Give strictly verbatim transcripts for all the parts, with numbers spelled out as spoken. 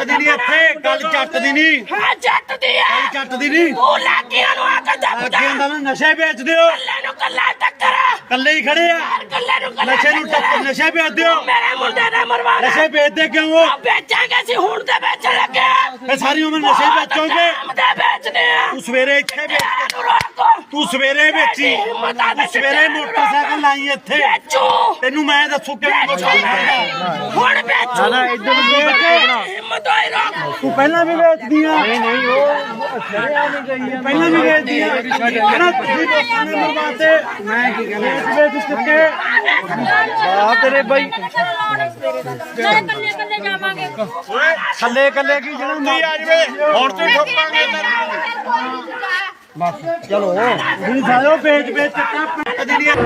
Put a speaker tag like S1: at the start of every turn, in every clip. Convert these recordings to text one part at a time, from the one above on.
S1: ਦੀ ਨਹੀਂ ਇੱਥੇ ਗੱਲ ਜੱਟ ਦੀ ਨਹੀਂ।
S2: ਹਾਂ ਜੱਟ ਦੀ ਆ
S1: ਗੱਲ ਜੱਟ ਦੀ ਨਹੀਂ।
S2: ਉਹ ਲਾਗੀਆਂ ਨੂੰ ਆ ਕੇ ਦੱਬਦਾ
S1: ਅੱਗੇ ਹੁੰਦਾ ਨਾ ਨਸ਼ੇ ਵੇਚਦੇ ਹੋ
S2: ਕੱਲੇ ਨੂੰ ਕੱਲਾ ਟੱਕਰ
S1: ਕੱਲੇ ਹੀ ਖੜੇ ਆ
S2: ਕੱਲੇ ਨੂੰ ਕੱਲਾ
S1: ਨਸ਼ੇ ਨੂੰ ਟੱਕਰ ਨਸ਼ੇ ਵੇਚਦੇ ਹੋ
S2: ਮੇਰੇ ਮੁੰਡੇ ਨੇ ਮਰਵਾਣਾ
S1: ਨਸ਼ੇ ਵੇਚਦੇ ਕਿਉਂ ਹੋ
S2: ਵੇਚਾਂਗੇ ਸੀ ਹੁਣ ਤੇ ਵੇਚਣ ਲੱਗੇ
S1: ਇਹ ਸਾਰੀ ਉਮਰ ਨਸ਼ੇ ਵੇਚੋਗੇ
S2: ਮਦੇ ਵੇਚਦੇ ਆ
S1: ਤੂੰ ਸਵੇਰੇ ਇੱਥੇ ਵੇਚ
S2: ਨੂੰ ਰੋਕੋ
S1: ਤੂੰ ਸਵੇਰੇ ਵੇਚੀ ਤੂੰ ਸਵੇਰੇ ਮੋਟਰਸਾਈਕਲ ਲਾਈ ਇੱਥੇ
S2: ਵੇਚੋ
S1: ਤੈਨੂੰ ਮੈਂ ਦੱਸੂ ਕਿਵੇਂ
S2: ਹੁਣ ਵੇਚੋ
S1: ਨਾ ਇੱਧਰ ਨੂੰ ਬਣਾ
S2: ਹਿੰਮਤ ਹੋਈ ਰੋਕ
S1: ਤੂੰ ਪਹਿਲਾਂ ਵੀ ਵੇਚਦੀ ਆ ਨਹੀਂ ਨਹੀਂ ਉਹ ਛੜਿਆ ਨਹੀਂ ਗਈ ਆ ਪਹਿਲਾਂ ਵੀ ਵੇਚਦੀ ਆ ਕਹਿੰਦਾ ਤੁਸੀਂ ਲੋਕਾਂ ਨੇ ਮਰਵਾਤੇ ਮੈਂ ਕੀ ਕਹਿੰਦਾ ਵੇਚ ਚੁੱਕੇ ਆ ਤੇਰੇ ਬਾਈ
S3: ਕੱਲੇ ਕੱਲੇ ਜਾਵਾਂਗੇ
S1: ਥੱਲੇ ਕੱਲੇ ਕੀ ਜਿਹੜਾ ਨਹੀਂ ਆ ਜਵੇ ਹੁਣ ਤੇ ਠੋਕਾਂਗੇ ਬਸ ਚਲੋ ਤੁਸੀਂ ਸਾਇਓ ਵੇਚ ਵੇਚ ਚੱਕਾ ਪਿੰਡ ਦੀ ਨਹੀਂ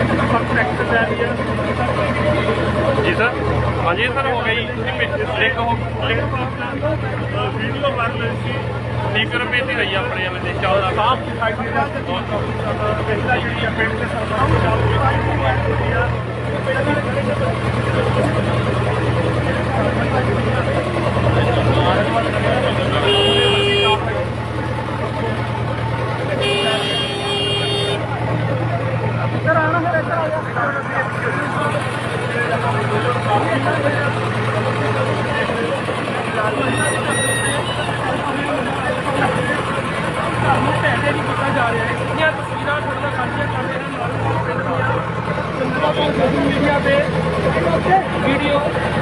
S4: जी सर हाँ जी सर हो गई एक हो वीडियो बन रही थी स्पीकर पे ही रही अपने वाले चौदह साफ ਪਹਿਲਾ ਜਿਹੜੀ ਪਿੰਡ ਦੇ ਸਰਕਾਰ मीडिया पे वीडियो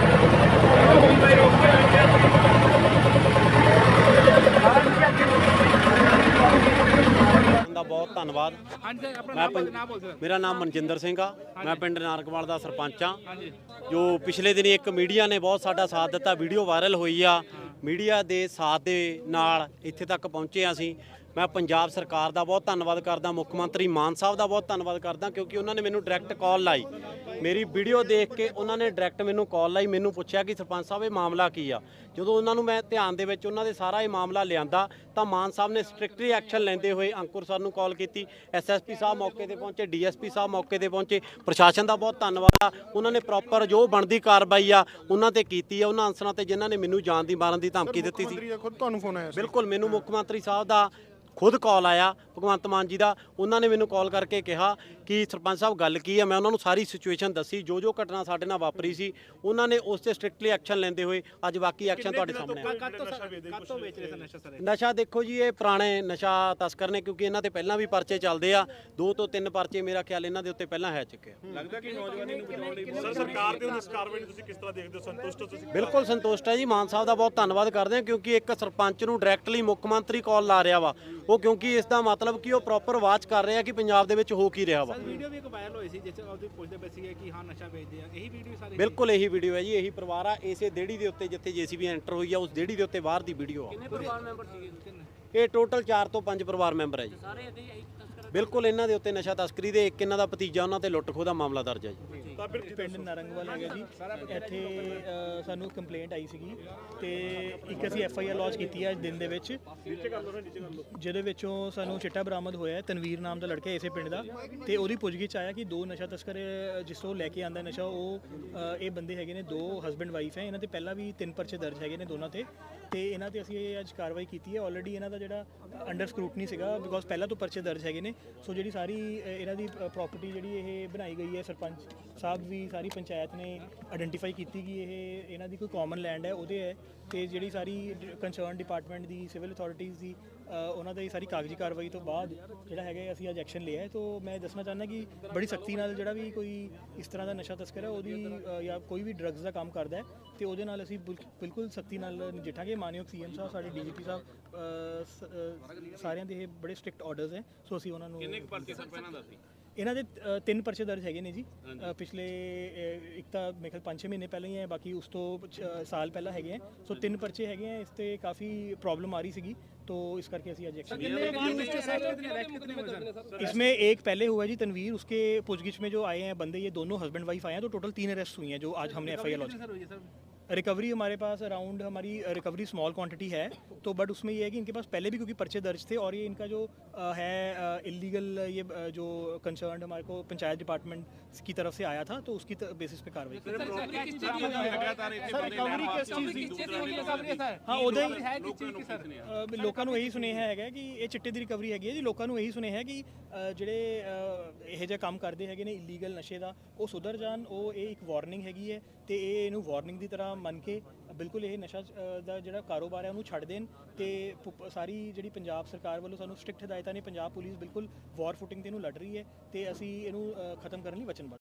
S5: ਦਾ ਬਹੁਤ ਧੰਨਵਾਦ। ਮੈਂ ਮੇਰਾ ਨਾਮ ਮਨਜਿੰਦਰ ਸਿੰਘ ਆ। ਮੈਂ ਪਿੰਡ ਨਾਰਕਵਾਲ ਦਾ ਸਰਪੰਚ ਆ। ਜੋ ਪਿਛਲੇ ਦਿਨੀ ਇੱਕ ਮੀਡੀਆ ਨੇ ਬਹੁਤ ਸਾਡਾ ਸਾਥ ਦਿੱਤਾ, ਵੀਡੀਓ ਵਾਇਰਲ ਹੋਈ ਆ। ਮੀਡੀਆ ਦੇ ਸਾਥ ਦੇ ਨਾਲ ਇੱਥੇ ਤੱਕ ਪਹੁੰਚੇ ਆ ਅਸੀਂ। ਮੈਂ ਪੰਜਾਬ ਸਰਕਾਰ ਦਾ ਬਹੁਤ ਧੰਨਵਾਦ ਕਰਦਾ, ਮੁੱਖ ਮੰਤਰੀ ਮਾਨ ਸਾਹਿਬ ਦਾ ਬਹੁਤ ਧੰਨਵਾਦ ਕਰਦਾ, ਕਿਉਂਕਿ ਉਹਨਾਂ ਨੇ ਮੈਨੂੰ ਡਾਇਰੈਕਟ ਕਾਲ ਲਾਈ। ਮੇਰੀ ਵੀਡੀਓ ਦੇਖ ਕੇ ਉਹਨਾਂ ਨੇ ਡਾਇਰੈਕਟ ਮੈਨੂੰ ਕਾਲ ਲਾਈ, ਮੈਨੂੰ ਪੁੱਛਿਆ ਕਿ ਸਰਪੰਚ ਸਾਹਿਬ ਇਹ ਮਾਮਲਾ ਕੀ ਆ। ਜਦੋਂ ਉਹਨਾਂ ਨੂੰ ਮੈਂ ਧਿਆਨ ਦੇ ਵਿੱਚ ਉਹਨਾਂ ਦੇ ਸਾਰਾ ਇਹ ਮਾਮਲਾ ਲਿਆਂਦਾ ਤਾਂ ਮਾਨ ਸਾਹਿਬ ਨੇ ਸਟ੍ਰਿਕਟਲੀ ਐਕਸ਼ਨ ਲੈਂਦੇ ਹੋਏ ਅੰਕੁਰ ਸਰ ਨੂੰ ਕਾਲ ਕੀਤੀ। ਐਸ ਐਸ ਪੀ ਸਾਹਿਬ ਮੌਕੇ ਤੇ ਪਹੁੰਚੇ, ਡੀ ਐਸ ਪੀ ਸਾਹਿਬ ਮੌਕੇ ਤੇ ਪਹੁੰਚੇ। ਪ੍ਰਸ਼ਾਸਨ ਦਾ ਬਹੁਤ ਧੰਨਵਾਦ ਆ, ਉਹਨਾਂ ਨੇ ਪ੍ਰੋਪਰ ਜੋ ਬਣਦੀ ਕਾਰਵਾਈ ਆ ਉਹਨਾਂ ਤੇ ਕੀਤੀ ਆ, ਉਹਨਾਂ ਅਨਸਰਾਂ ਤੇ ਜਿਨ੍ਹਾਂ ਨੇ ਮੈਨੂੰ ਜਾਨ ਦੀ ਮਾਰਨ ਦੀ ਧਮਕੀ ਦਿੱਤੀ ਸੀ।
S4: ਤੁਹਾਨੂੰ ਫੋਨ ਆਇਆ
S5: ਬਿਲਕੁਲ ਮੈਨੂੰ ਮੁੱਖ ਮੰਤਰੀ ਸਾਹਿਬ ਦਾ ਖੁਦ ਕਾਲ ਆਇਆ, ਭਗਵੰਤ ਮਾਨ ਜੀ ਦਾ। ਉਹਨਾਂ ਨੇ ਮੈਨੂੰ ਕਾਲ ਕਰਕੇ ਕਿਹਾ ਕਿ ਸਰਪੰਚ ਸਾਹਿਬ ਗੱਲ ਕੀ ਹੈ। ਮੈਂ ਉਹਨਾਂ ਨੂੰ ਸਾਰੀ ਸਿਚੁਏਸ਼ਨ ਦੱਸੀ, ਜੋ ਜੋ ਘਟਨਾ ਸਾਡੇ ਨਾਲ ਵਾਪਰੀ ਸੀ। ਉਹਨਾਂ ਨੇ ਉਸ ਤੇ ਸਟ੍ਰਿਕਟਲੀ ਐਕਸ਼ਨ ਲੈਂਦੇ ਹੋਏ ਅੱਜ ਬਾਕੀ ਐਕਸ਼ਨ ਤੁਹਾਡੇ ਸਾਹਮਣੇ ਆ। ਨਸ਼ਾ ਦੇਖੋ ਜੀ, ਇਹ ਪੁਰਾਣੇ ਨਸ਼ਾ ਤਸਕਰ ਨੇ, ਕਿਉਂਕਿ ਇਹਨਾਂ ਤੇ ਪਹਿਲਾਂ ਵੀ ਪਰਚੇ ਚੱਲਦੇ ਆ। ਦੋ ਤੋਂ ਤਿੰਨ ਪਰਚੇ ਮੇਰਾ ਖਿਆਲ ਇਹਨਾਂ ਦੇ ਉੱਤੇ ਪਹਿਲਾਂ ਹੈ ਚੁੱਕੇ ਆ।
S4: ਲੱਗਦਾ ਕਿ ਨੌਜਵਾਨੀ ਨੂੰ ਬਚਾਉਣ ਲਈ ਸਰ ਸਰਕਾਰ ਦੇ ਇਸ ਕਾਰਵਾਈ ਨੂੰ ਤੁਸੀਂ ਕਿਸ ਤਰ੍ਹਾਂ ਦੇਖਦੇ ਹੋ? ਸੰਤੁਸ਼ਟ ਹੋ ਤੁਸੀਂ?
S5: ਬਿਲਕੁਲ ਸੰਤੁਸ਼ਟ ਹੈ ਜੀ। ਮਾਨ ਸਾਹਿਬ ਦਾ ਬਹੁਤ ਧੰਨਵਾਦ ਕਰਦੇ ਹਾਂ, ਕਿਉਂਕਿ ਇੱਕ ਸਰਪੰਚ ਨੂੰ ਡਾਇਰੈਕਟਲੀ ਮੁੱਖ ਮੰਤਰੀ ਕਾਲ ਲਾ ਰਿਹਾ ਵਾ ਉਹ, ਕਿਉਂਕਿ ਇਸ ਦਾ ਮਤਲਬ ਕਿ ਉਹ ਪ੍ਰੋਪਰ ਵਾਚ ਕਰ ਰਿਹਾ ਕਿ ਪੰਜਾਬ ਦੇ ਵਿੱਚ ਹੋ ਕੀ ਰਿਹਾ ਵਾ।
S6: ਵੀਡੀਓ ਵੀ ਇੱਕ ਵਾਇਰਲ ਹੋਈ ਸੀ ਜਿਸ ਵਿੱਚ ਪੁੱਛਦੇ ਪਏ ਸੀ ਕਿ ਹਾਂ ਨਸ਼ਾ ਵੇਚਦੇ ਆ, ਇਹੀ ਵੀਡੀਓ ਸਾਰੀ?
S5: ਬਿਲਕੁਲ ਇਹੀ ਵੀਡੀਓ ਹੈ ਜੀ, ਇਹੀ ਪਰਿਵਾਰ ਆ। ਇਸੇ ਦੇੜੀ ਦੇ ਉੱਤੇ ਜਿੱਥੇ ਜੇਸੀਬੀ ਐਂਟਰ ਹੋਈ ਆ, ਉਸ ਦੇੜੀ ਦੇ ਉੱਤੇ ਬਾਹਰ ਦੀ ਵੀਡੀਓ ਆ।
S6: ਕਿੰਨੇ ਪਰਿਵਾਰ ਮੈਂਬਰ ਸੀਗੇ?
S5: ਇਹ ਟੋਟਲ ਚਾਰ ਤੋਂ ਪੰਜ ਪਰਿਵਾਰ ਮੈਂਬਰ ਹੈ ਜੀ।
S6: ਸਾਰੇ ਇਹਦੇ ਹੀ ਤਸਕਰ?
S5: ਬਿਲਕੁਲ ਇਹਨਾਂ ਦੇ ਉੱਤੇ ਨਸ਼ਾ ਤਸਕਰੀ ਦੇ ਇੱਕ ਇਹਨਾਂ ਦਾ ਭਤੀਜਾ, ਉਹਨਾਂ ਤੇ ਲੁੱਟ ਖੋਹ ਦਾ ਮਾਮਲਾ ਦਰਜ ਹੈ ਜੀ।
S7: ਪਿੰਡ ਨਾਰੰਗਵਾਲ ਹੈਗਾ ਜੀ। ਇੱਥੇ ਸਾਨੂੰ ਕੰਪਲੇਂਟ ਆਈ ਸੀਗੀ ਤੇ ਇੱਕ ਅਸੀਂ ਐਫ ਆਈ ਆਰ ਲੌਂਚ ਕੀਤੀ ਹੈ ਅੱਜ ਦਿਨ ਦੇ ਵਿੱਚ, ਜਿਹਦੇ ਵਿੱਚੋਂ ਸਾਨੂੰ ਚਿੱਟਾ ਬਰਾਮਦ ਹੋਇਆ ਹੈ। ਤਨਵੀਰ ਨਾਮ ਦਾ ਲੜਕਾ ਇਸੇ ਪਿੰਡ ਦਾ, ਤੇ ਉਹਦੀ ਪੁੱਛਗਿੱਛ ਆਇਆ ਕਿ ਦੋ ਨਸ਼ਾ ਤਸਕਰ ਜਿਸ ਤੋਂ ਲੈ ਕੇ ਆਂਦਾ ਨਸ਼ਾ, ਉਹ ਇਹ ਬੰਦੇ ਹੈਗੇ ਨੇ, ਦੋ ਹਸਬੈਂਡ ਵਾਈਫ ਹੈ। ਇਹਨਾਂ ਤੇ ਪਹਿਲਾਂ ਵੀ ਤਿੰਨ ਪਰਚੇ ਦਰਜ ਹੈਗੇ ਨੇ ਦੋਨਾਂ ਤੇ, ਤੇ ਇਹਨਾਂ ਤੇ ਅਸੀਂ ਅੱਜ ਕਾਰਵਾਈ ਕੀਤੀ ਹੈ। ਆਲਰੇਡੀ ਇਹਨਾਂ ਦਾ ਜਿਹੜਾ ਅੰਡਰ ਸਕਰੂਟਨੀ ਸੀਗਾ, ਬਿਕੋਜ਼ ਪਹਿਲਾਂ ਤੋਂ ਪਰਚੇ ਦਰਜ ਹੈਗੇ ਨੇ। ਸੋ ਜਿਹੜੀ ਸਾਰੀ ਇਹਨਾਂ ਦੀ ਪ੍ਰੋਪਰਟੀ ਜਿਹੜੀ ਇਹ ਬਣਾਈ ਗਈ ਹੈ, ਸਰਪੰਚ ਸਾਹਿਬ ਵੀ ਸਾਰੀ ਪੰਚਾਇਤ ਨੇ ਆਇਡੈਂਟੀਫਾਈ ਕੀਤੀ ਕਿ ਇਹ ਇਹਨਾਂ ਦੀ ਕੋਈ ਕਾਮਨ ਲੈਂਡ ਹੈ, ਉਹਦੇ ਹੈ। ਤੇ ਜਿਹੜੀ ਸਾਰੀ ਕੰਸਰਨ ਡਿਪਾਰਟਮੈਂਟ ਦੀ, ਸਿਵਲ ਅਥਾਰਟੀਜ਼ ਦੀ, ਉਹਨਾਂ ਦੀ ਸਾਰੀ ਕਾਗਜ਼ੀ ਕਾਰਵਾਈ ਤੋਂ ਬਾਅਦ ਜਿਹੜਾ ਹੈਗਾ ਅਸੀਂ ਅੱਜ ਐਕਸ਼ਨ ਲਿਆ ਹੈ। ਤੋਂ ਮੈਂ ਦੱਸਣਾ ਚਾਹੁੰਦਾ ਕਿ ਬੜੀ ਸਖਤੀ ਨਾਲ ਜਿਹੜਾ ਵੀ ਕੋਈ ਇਸ ਤਰ੍ਹਾਂ ਦਾ ਨਸ਼ਾ ਤਸਕਰ ਹੈ, ਉਹਦੀ ਜਾਂ ਕੋਈ ਵੀ ਡਰੱਗਸ ਦਾ ਕੰਮ ਕਰਦਾ ਹੈ, ਤੇ ਉਹਦੇ ਨਾਲ ਅਸੀਂ ਬਿਲਕੁਲ ਸਖਤੀ ਨਾਲ ਨਜਿੱਠਾਂਗੇ। ਮਾਨਯੋਗ ਸੀ ਐਮ ਸਾਹਿਬ, ਸਾਡੇ ਡੀ ਜੀ ਪੀ ਸਾਹਿਬ, ਸਾਰਿਆਂ ਦੇ ਇਹ ਬੜੇ ਸਟ੍ਰਿਕਟ ਆਰਡਰਸ ਹੈ। ਸੋ ਅਸੀਂ ਉਹਨਾਂ ਨੂੰ ਇਹਨਾਂ ਦੇ ਤਿੰਨ ਪਰਚੇ ਦਰਜ ਹੈਗੇ ਨੇ ਜੀ। ਪਿਛਲੇ ਇੱਕ ਤਾਂ ਮੇਰੇ ਖਿਆਲ ਪੰਜ ਛੇ ਮਹੀਨੇ ਪਹਿਲਾਂ ਹੀ ਹੈ, ਬਾਕੀ ਉਸ ਤੋਂ ਸਾਲ ਪਹਿਲਾਂ ਹੈਗੇ ਹੈ। ਸੋ ਤਿੰਨ ਪਰਚੇ ਹੈਗੇ ਹੈ। ਇਸ ਤੇ ਕਾफ़ी प्रॉब्लम आ रही सीगी, तो इस करके ਅਸੀਂ आज एक्शन इसमें एक पहले हुआ जी तनवीर, उसके पूछगिछ में जो आए हैं बंदे, ये दोनों हस्बैंड वाइफ आए हैं, तो टोटल तीन अरेस्ट हुई हैं जो आज हमने F I R launch. Recovery हमारे पास अराउंड हमारी रिकवरी स्मॉल क्वांटिटी है, तो बट उसमें ये है कि इनके पास पहले भी क्योंकि पर्चे दर्ज थे और ये इनका जो अ, है इलीगल ये अ, जो कंसर्न हमारे को पंचायत डिपार्टमेंट की तरफ से आया था, तो उसकी बेसिस पे कार्रवाई की। हाँ उदय ਲੋਕਾਂ ਨੂੰ ਇਹੀ ਸੁਨੇਹਾ ਹੈਗਾ ਕਿ ਇਹ ਚਿੱਟੇ ਦੀ ਰਿਕਵਰੀ ਹੈਗੀ ਹੈ ਜੀ। ਲੋਕਾਂ ਨੂੰ ਇਹੀ ਸੁਨੇਹਾ ਹੈ ਕਿ ਅ, ਜਿਹੜੇ ਅ, ਇਹੋ ਜਿਹਾ ਕੰਮ ਕਰਦੇ ਹੈਗੇ ਨੇ ਇਲੀਗਲ ਨਸ਼ੇ ਦਾ, ਉਹ ਸੁਧਰ ਜਾਣ। ਉਹ ਇਹ ਇੱਕ ਵਾਰਨਿੰਗ ਹੈਗੀ ਹੈ ਤੇ ਇਹ ਇਹਨੂੰ ਵਾਰਨਿੰਗ ਦੀ ਤਰ੍ਹਾਂ ਮੰਨ ਕੇ ਬਿਲਕੁਲ ਇਹ ਨਸ਼ਾ ਅ, ਦਾ ਜਿਹੜਾ ਕਾਰੋਬਾਰ ਹੈ ਉਹਨੂੰ ਛੱਡ ਦੇਣ। ਤੇ ਪੁ- ਸਾਰੀ ਜਿਹੜੀ ਪੰਜਾਬ ਸਰਕਾਰ ਵੱਲੋਂ ਸਾਨੂੰ ਸਟ੍ਰਿਕਟ ਹਦਾਇਤਾਂ ਨੇ, ਪੰਜਾਬ ਪੁਲਿਸ ਬਿਲਕੁਲ ਵਾਰ ਫੁਟਿੰਗ ਤੇ ਇਹਨੂੰ ਲੜ ਰਹੀ ਹੈ ਤੇ ਅਸੀਂ ਇਹਨੂੰ ਅ, ਖਤਮ ਕਰਨ ਲਈ ਵਚਨਬੱਧ।